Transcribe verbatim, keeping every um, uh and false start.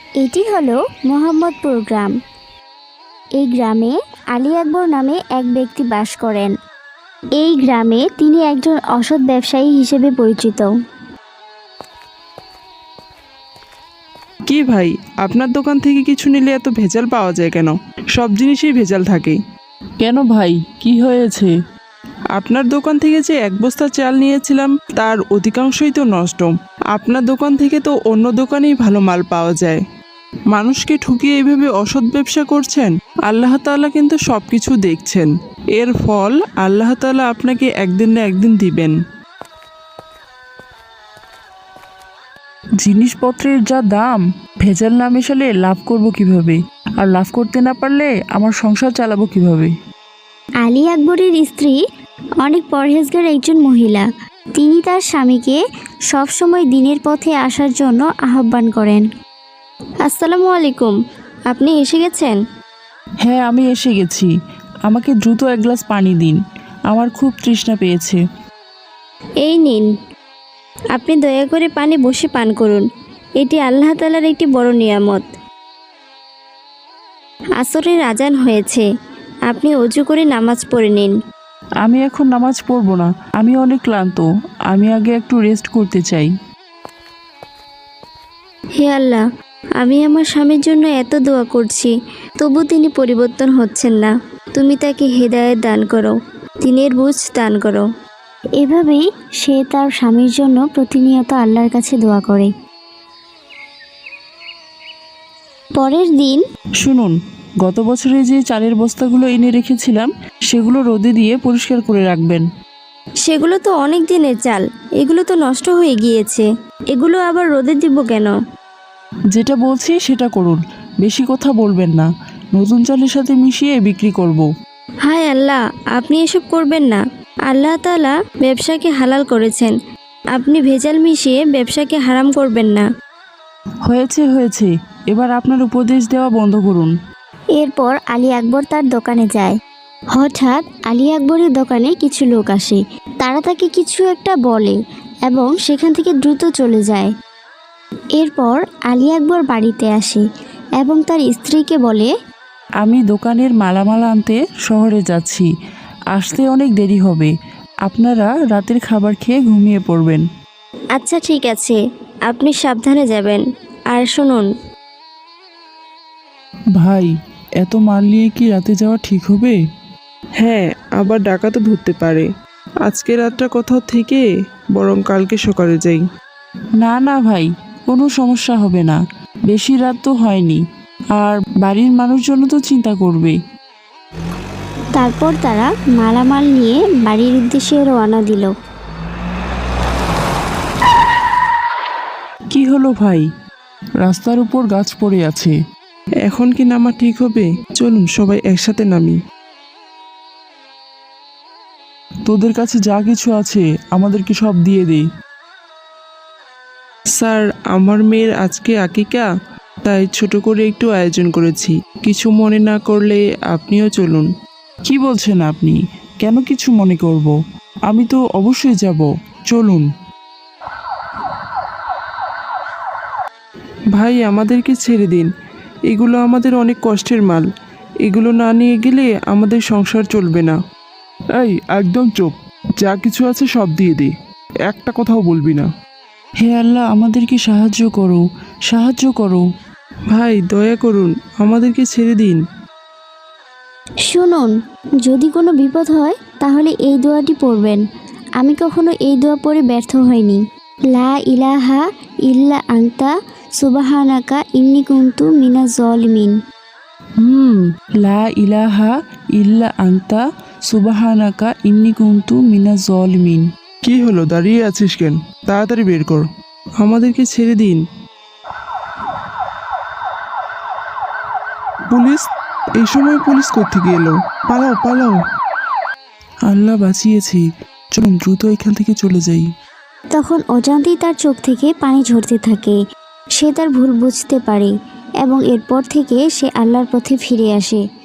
এটি হলো মোহাম্মদপুর গ্রাম। এই গ্রামে আলী আকবর নামে এক ব্যক্তি বাস করেন। এই গ্রামে তিনি একজন অসৎ ব্যবসায়ী হিসেবে পরিচিত। কি ভাই, আপনার দোকান থেকে কিছু নিলে এত ভেজাল পাওয়া যায় কেন? সব জিনিসেই ভেজাল থাকে। কেন ভাই, কি হয়েছে? আপনার দোকান থেকে যে এক বস্তা চাল নিয়েছিলাম তার অধিকাংশই তো নষ্ট। আপনার দোকান থেকে তো অন্য দোকানেই ভালো মাল পাওয়া যায়। মানুষকে ঠকিয়ে এইভাবে অসৎ ব্যবসা করছেন। আল্লাহ তাআলা কিন্তু সব কিছু দেখছেন। এর ফল আল্লাহ তাআলা আপনাকে একদিন না একদিন দিবেন। জিনিসপত্রের যা দাম, ভেজাল না মেশালে লাভ করব কিভাবে? আর লাভ করতে না পারলে আমার সংসার চালাবো কিভাবে? আলী আকবরের স্ত্রী অনেক পরহেজগার একজন মহিলা। তিনি তার স্বামীকে সবসময় দিনের পথে আসার জন্য আহ্বান করেন। আসসালামু আলাইকুম, আপনি এসে গেছেন? হ্যাঁ, আমি এসে গেছি। আমাকে দ্রুত এক গ্লাস পানি দিন, আমার খুব তৃষ্ণা পেয়েছে। এই নিন, আপনি দয়া করে পানি বসে পান করুন। এটি আল্লাহ তাআলার একটি বড় নিয়ামত। আসরের আজান হয়েছে, আপনি অজু করে নামাজ পড়ে নিন। আমি এখন নামাজ পড়বো না, আমি অনেক ক্লান্ত। আমি আগে একটু রেস্ট করতে চাই। হে আল্লাহ, আমি আমার স্বামীর জন্য এত দোয়া করছি, তবু তিনি পরিবর্তন হচ্ছেন না। তুমি তাকে হেদায়েত দান করো, দিনের বুঝ দান করো। এভাবেই সে তার স্বামীর জন্য প্রতিনিয়ত আল্লাহর কাছে দোয়া করে। পরের দিন শুনুন, গত বছরে যে চালের বস্তাগুলো এনে রেখেছিলাম সেগুলো রোদে দিয়ে পরিষ্কার করে রাখবেন। সেগুলো তো অনেক দিনের চাল, এগুলো তো নষ্ট হয়ে গিয়েছে। এগুলো আবার রোদে দিব কেন? যেটা বলছি সেটা করুন, বেশি কথা বলবেন না। নতুন চালের সাথে মিশিয়ে বিক্রি করব। হায় আল্লাহ, আপনি এসব করবেন না। আল্লাহ তাআলা ব্যবসাকে হালাল করেছেন, আপনি ভেজাল মিশিয়ে ব্যবসাকে হারাম করবেন না। হয়েছে হয়েছে, এবার আপনার উপদেশ দেওয়া বন্ধ করুন। এরপর আলী আকবর তার দোকানে যায়। হঠাৎ আলী আকবরের দোকানে কিছু লোক আসে। তারা তাকে কিছু একটা বলে এবং সেখান থেকে দ্রুত চলে যায়। এরপর আলী আকবর বাড়িতে আসে এবং তার স্ত্রীকে বলে, আমি দোকানের মালামাল আনতে শহরে যাচ্ছি, আসতে অনেক দেরি হবে। আপনারা রাতের খাবার খেয়ে ঘুমিয়ে পড়বেন। আচ্ছা ঠিক আছে, আপনি সাবধানে যাবেন। আর শুনুন, ভাই, এত মাল নিয়ে কি রাতে যাওয়া ঠিক হবে? হ্যাঁ, আবার ডাকাতও ধরতে পারে। আজকে রাতটা কোথাও থেকে বরং কালকে সকালে যাই। না না ভাই, কোনো সমস্যা হবে না। বেশি রাত তো হয়নি, আর বাড়ির মানুষজন তো চিন্তা করবে। তারপর তারা মালামাল নিয়ে বাড়ির উদ্দেশ্যে রওনা দিল। কি হলো ভাই? রাস্তার উপর গাছ পড়ে আছে। এখন কি নামা ঠিক হবে? চলুন সবাই একসাথে নামি। তোদের কাছে যা কিছু আছে আমাদেরকে সব দিয়ে দে। স্যার, আমার মেয়ের আজকে আকিকা, তাই ছোট করে একটু আয়োজন করেছি। কিছু মনে না করলে আপনিও চলুন। কি বলছেন আপনি? কেন কিছু মনে করব? আমি তো অবশ্যই যাব, চলুন। ভাই, আমাদেরকে ছেড়ে দিন। এগুলো আমাদের অনেক কষ্টের মাল। এগুলো না নিয়ে গেলে আমাদের সংসার চলবে না। এই একদম চুপ, যা কিছু আছে সব দিয়ে দে, একটা কথাও বলবি না। হে আল্লাহ, আমাদেরকে সাহায্য করো, সাহায্য করো। ভাই, দয়া করুন, আমাদেরকে ছেড়ে দিন। শুনুন, যদি কোনো বিপদ হয় তাহলে এই দোয়াটি পড়বেন। আমি কখনো এই দোয়া পড়ে ব্যর্থ হইনি। লা ইলাহা ইল্লা আনতা সুবহানাকা ইন্নী কুনতু মিনাজ জালিমিন। হুম লা ইলাহা ইল্লা আনতা সুবহানাকা ইন্নী কুনতু মিনাজ জালিমিন। কি হলো, দাঁড়িয়ে আছিস কেন? তাড়াতাড়ি বের কর। আমাদেরকে ছেড়ে দিন। পুলিশ? এই সময় পুলিশ কোত্থেকে এলো? পালাও পালাও। আল্লাহ বাঁচিয়েছি, চলুন দ্রুত এখান থেকে চলে যাই। তখন অজান্তেই তার চোখ থেকে পানি ঝরতে থাকে। সে তার ভুল বুঝতে পারে এবং এরপর থেকে সে আল্লাহর পথে ফিরে আসে।